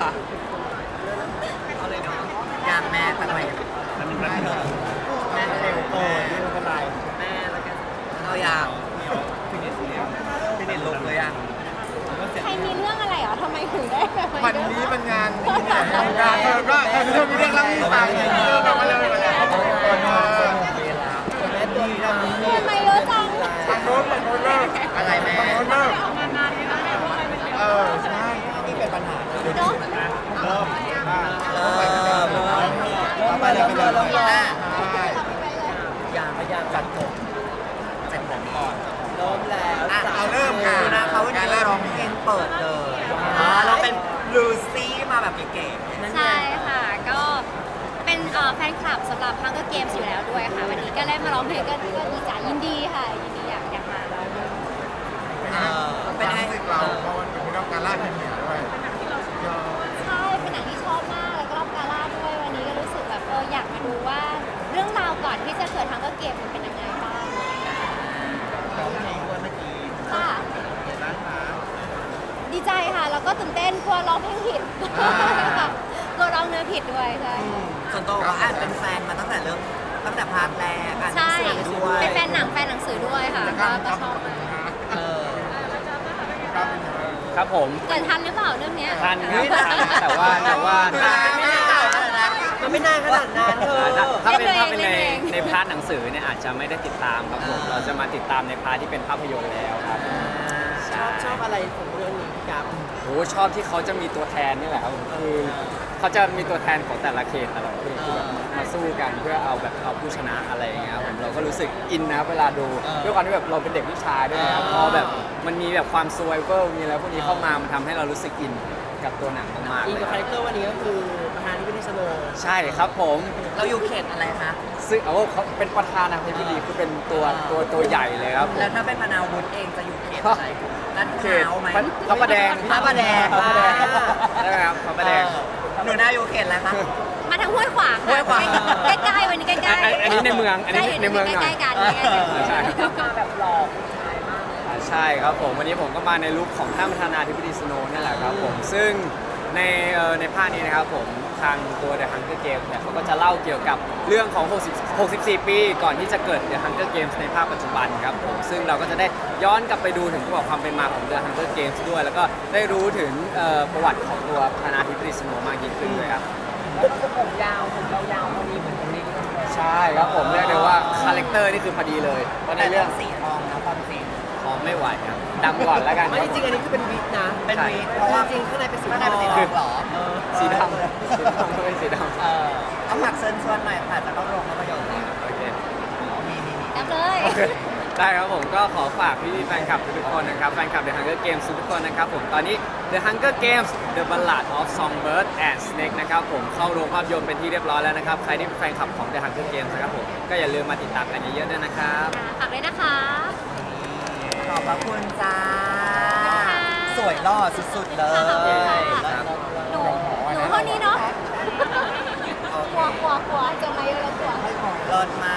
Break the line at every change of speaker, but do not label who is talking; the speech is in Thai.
เอาเลยเนาะอยากแม่สักหน่อยแม่เร็วแม่ไม่เป็นไรแม่แล้วกันเอาอย่างฟินิชลงเลยอ่ะ
ใครมีเรื่องอะไรเหรอทำไมถึงได้แบบ
วันนี้มันงานงานก็เธอมีเรื่องเล่าให้ฟังแบบมาเลยมาเลย
แม่ตัวนี้เรา
ทำไมเยอะจัง
ทางโน้นเลิก
อะไรแม่
ทางโน้นเลิกใช่
นี่เป็นปัญหา
เนาะ
เริ่ม
ไปเลย
ใช่
ยางจัดจบเสร็จผมก่อนเริ่มแล้ว
เอาเริ่มค่ะ
ดูนะเขาวันนี้ร้องเพลงเปิดเลยเราเป็นลูซี่มาแบบเก๋ๆ
ใช่ค่ะ ก็เป็นแฟนคลับสำหรับ Hunger Games อยู่แล้วด้วยค่ะ วันนี้ก็ได้มาร้องเพลงก็ดีใจยินดีค่ะ ยินดีอยากมา
เป็นไงเราเพราะมันเป็นเรื่องการล่าทีมเหนือด้วย
ใช่ เป็นหนังที่ชอบมาก แล้วก็รอบกาล่าด้วย วันนี้ก็รู้สึกแบบอยากมาดูว่าเรื่องราวก่อนที่จะเกิด Hunger Games มันเป็นยังไงบ้าง
ร้องเพลงด้วยเมื่อกี้
ค่ะ
เห็นไหมคะ
ดีใจค่ะ แล้วก็ตื่นเต้นกลัวร้องเพลงผิดค่ะกลัวร้องเนื้อผิดด้วยใช่
ส่วนตัวก็อ่านเป็นแฟนมาตั้งแต่พาร์ทแรกอ่านหนัง
ใช่
สือด้วย
เป็นแฟนหนังแฟนหนังสือด้วยค่ะก็ชอบมาก
ครับผม
เกิดทันหรือเปล่าเรื่องเนี้ย
ทันครับแต่ว่า
มันไม่นานขนาดนั้นเธอ
ถ้าเป็น
เล่นเอง
ใน
เล่นเอง
ในพาร์ทหนังสือเนี่ยอาจจะไม่ได้ติดตามครับผมเราจะมาติดตามในพาร์ทที่เป็นภาพยนตร์แล้วครับ
ชอบอะไรของเรื่องนี้ครับ
โอ้ชอบที่เขาจะมีตัวแทนนี่แหละครับผมคือเขาจะมีตัวแทนของแต่ละเขตแต่ละประเทศที่แบบมาสู้กันเพื่อเอาผู้ชนะอะไรอย่างเงี้ยครับผมเราก็รู้สึกอินนะเวลาดูด้วยความที่แบบเราเป็นเด็กผู้ชายด้วยนะครับพอแบบมันมีแบบความซวยเวอร์มีอะไรพวกนี้เข้ามามันทำให้เรารู้สึกอินกับตัวหนังมากๆ
อิน
เลย
กับคาแรคเตอร์วันนี้ก็คือประธานที่เป็นสโนว์
ใช่ครับผม
เราอยู่เขตอะไรคะ
ซึ่งเขาเป็นประธานาธิบดีคือเป็นตัวใหญ่เลยครับผม
แล้วถ้าเป็นพนาวุฒิเองจะอยู่เขตอะไรลาดพ
เขต
ร้าวไหม
พระประแดง
พระประแดง
พระประแดงได้ไหมครับพระประแดง
หนูน่าอยู่เขตอะไรคะ
มาทางห้วยขวาง
ห้วยขวาง
ใกล้ๆวันนี้ใกล้ๆ
อันนี้ในเมืองอันนี้ในเมืองหน่อย
ใกล้ๆกันใกล้ๆกัน
ใช่
มาแบบหลอก
ใช่ครับผมวันนี้ผมก็มาในลุคของท่านประธานาธิบดีสโนว์นี่แหละครับผมซึ่งในภาคนี้นะครับผมทางตัว The Hunger Games เนี่ยเขาก็จะเล่าเกี่ยวกับเรื่องของ64 ปีก่อนที่จะเกิด The Hunger Games ในภาคปัจจุบันครับผมซึ่งเราก็จะได้ย้อนกลับไปดูถึงประวัติความเป็นมาของ The Hunger Games ด้วย แล้วก็ได้รู้ถึงประวัติของตัวประธานาธิบดีสโนว์มากยิ่งขึ้นด้วยครับ
ผมยาวพอดีเหมือนคนนี้
ใช่ครับผมเรียกได้ว่าคาแรคเตอร์นี่คือพอดีเลยเพราะใน
แต่
เรื่
เรื่
อ
อง งสีทองนะความสี
พอไม่ไหวครับดำก่อนแล้วกัน
ไม่จริงอันนี้คือเป็นวิกนะ เป็นวิกเพราะว่าจริงข้างในเป็นสีทองเหรอ
สีดำก็เป็นสีดำ
เอาฝากเชิญชวนหน่อยค่ะจะเข้าโรงภาพยนตร์แล้ว
โอเค
จับเลย
ได้ครับผมก็ขอฝากพี่แฟนคลับทุกคนนะครับแฟนคลับ The Hunger Games ทุกคนนะครับผมตอนนี้ The Hunger Games The Ballad of Songbird and Snake นะครับผมเข้าโรงภาพยนตร์เป็นที่เรียบร้อยแล้วนะครับใครที่เป็นแฟนคลับของ The Hunger Games นะครับผมก็อย่าลืมมาติดตามกันเยอะๆด้วยนะครับ
ฝากด้วยนะคะ
ขอบพระคุณจ้า สวยหล่อสุดๆเลย
หนูเท่านี้เนาะกลัวจะมาเยอะแล้วกลัว
เลิศมา